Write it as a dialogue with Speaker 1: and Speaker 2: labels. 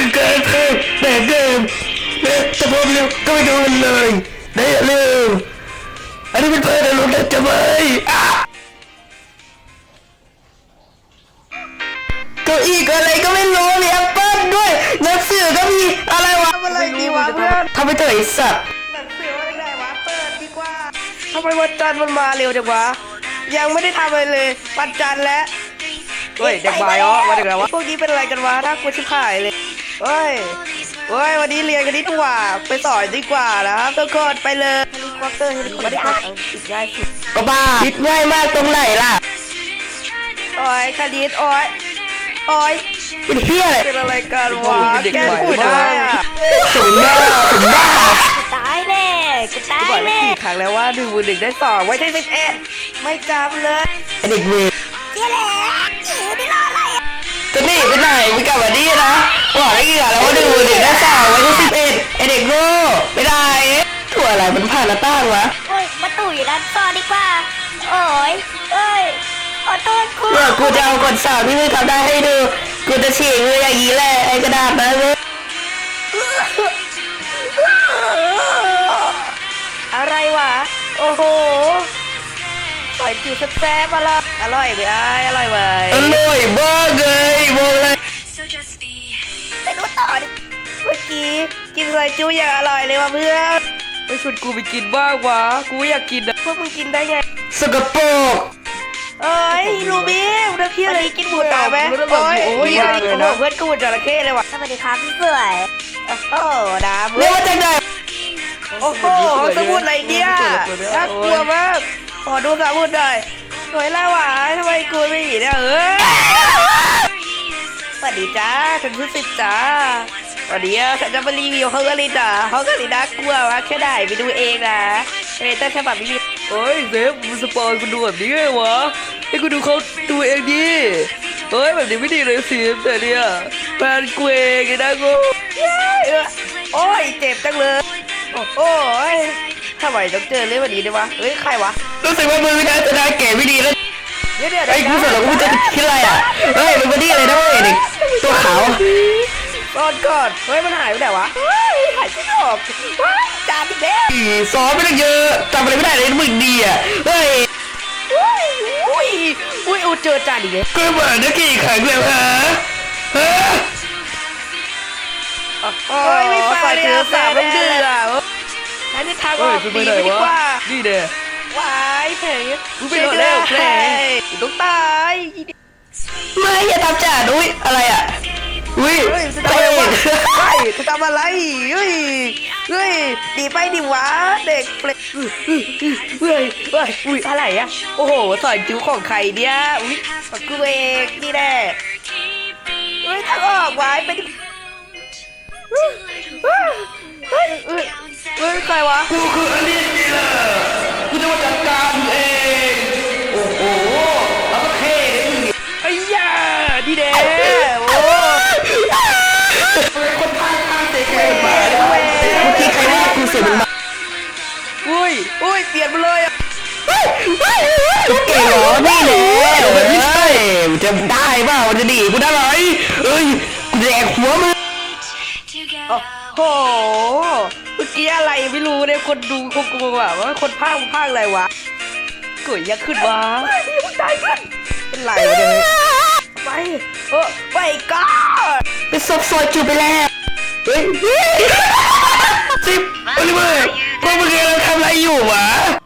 Speaker 1: เกิดเพลงแบบเดิมแต่พอเร็วก็ไม่โดนเลยได้เร็วอันนี้เป็นเพื่อนเราจะไหมเก้าอี้ก็อะไรก็ไม่รู้มีแอปเปิ้ลด้วยหนังสือก็มีอะไรวะอะไรดีวะเพื่อนทำไปเถอะไอ้สัตว์หนังสืออะไรได้วะเปิดดีกว่าทำไมวันจันทร์มันมาเร็วจังวะยังไม่ได้ทำอะไรเลยวันจันทร์แล้วเฮ้ยเด็กบ่ายอ๋อมาเด็กแล้ววะพวกนี้เป็นอะไรกันวะน่ากลัวชิบหายเลยเฮ้ยวันนี้เรียนกันดีกว่าไปสอนดีกว่านะครับทุกคนไปเลยเฮลิคอปเตอร์ติดง่ายสุดก็บ้าติดง่ายมากตรงไหนล่ะโอ้ยคดีโอ้ยเป็นเฮียอะไรเป็นอะไรกันวะแกพูดได้อะถึงบ้า
Speaker 2: ตายแน่กูตายแน่
Speaker 1: กี่ครั้งแล้วว่า1 ได้2ไว้ใช่11ไม่จำเลยไอเด็กเวร
Speaker 2: เจ๊แหละไม่รออะไรอ่ะ
Speaker 1: จะหนีไปไหนมึงกลับมาดีนะบอกได้กี่ครั้งแล้วว่า1 ได้2ไว้ใช่11ไอเด็กโง่ไม่ได้ถั่วอะไรมันผ่านหน้าต่างวะ
Speaker 2: โอ้ยประตูอยู่ด้านซ้อนดีกว่าโอ้ยขอโทษกู
Speaker 1: เดี๋ยวกูจะเอากฎสอบที่มึงทำได้ให้ดูกูจะฉีกมืออย่างนี้แหละไอกระดาษนั้นเลยอะไรวะโอ้โหปล่อยจิ๋วแซ่บๆมาละอร่อยไหมอร่อยไหมอร่อยบ้าเลยบอกเลย
Speaker 2: ไปดูต่อดิ
Speaker 1: เมื่อกี้กินอะไรจิ้วอย่างอร่อยเลยว่ะเพื่อนไปชวนกูไปกินบ้างวะกูอยากกินนะพวกมึงกินได้ไงสกปรกเอ้ยลูบี้มึงจะพี่อะไรกินหมูตาไหมโอ้ยอะไรกูบอกเพื่อนกูจระเข้เลยว่ะ
Speaker 2: สวัสดีครับพี่สวย
Speaker 1: โอ้ดาเรียกว่าจังไงโอ้โหสมุดอะไรเนี่ยน่ากลัวมากขอดูสมุดหน่อยสวยแล้วว่ะทำไมกูไม่เห็นเนี่ยสวัสดีจ้าฉันชื่อสิบจ้าวันนี้ฉันจะมารีวิวฮอกการ์ลินฮอกการ์ลินน่ากลัววะแค่ไหนไปดูเองนะแต่ฉบับนี้เฮ้ยเซฟมึงสปอยกูดูแบบนี้ไงวะให้กูดูเขาดูเองดิเฮ้ยแบบนี้ไม่ดีเลยสิแต่เนี่ยแฟนกูเองนะกูโอ้ยเจ็บจังเลยโอ้ยทำไมต้องเจอเรื่องแบบนี้ด้วยวะเฮ้ยใครวะรู้สึกว่ามือนะจะได้เก๋ไม่ดีแล้วไอ้กูสารกูจะคิดอะไรอ่ะเฮ้ยมันไม่ดีเลยนะเว้ยเด็กตัวขาวก่อนเฮ้ยมันหายไปไหนวะหายไม่ออกจานเด็กซ้อมไปตั้งเยอะจำอะไรไม่ได้เลยมึงดีอ่ะเฮ้ยอุ้ยเจอจานอีกเลยก็เหมือนนักกี่ครั้งแล้วฮะโอ้ยไม่ไปเจอสามลูกเดืออันนี้ทางออกดีไปดีกว่าดีเด้อวายเพลงกูไปแล้วเพลงต้องตายไม่อย่าทำจ่าด้วยอะไรอ่ะอุ้ยจะทำอะไรวะจะทำอะไรเฮ้ยดีไปดิวะเด็กเปรตอุ้ยอะไรอ่ะโอ้โหสอนจิ้วของใครเนี่ยอุ้ยกูเองนี่แน่เฮ้ยทางออกวายไปดิเฮ้ยใครวะกูคืออลิซนี่แหละกูจะมาจัดการเองโอ้โหแล้วก็เท่เลยมึงไอ้ย่าดีเด้โอ้คนพาเตะแกมาเมื่อกี้ใครว่ากูเสียมันมาอุ้ยเปลี่ยนไปเลยอ่ะเก่งเหรอนี่แหละไม่ใช่จะได้เปล่าจะดีกูได้ไหมกูแดกหัวมึงโอ้โหเมื่อกี้อะไรไม่รู้เนี่ยคนดูคงกลัวว่าคนพากอะไรวะเกิดยังขึ้นวะมึงตายกันเป็นไรวะเนี่ยไปก่อนไปซบซอยจูไปแล้วเฮ้ยซิปโอลิเวอร์พวกมึงกำลังทำอะไรอยู่วะ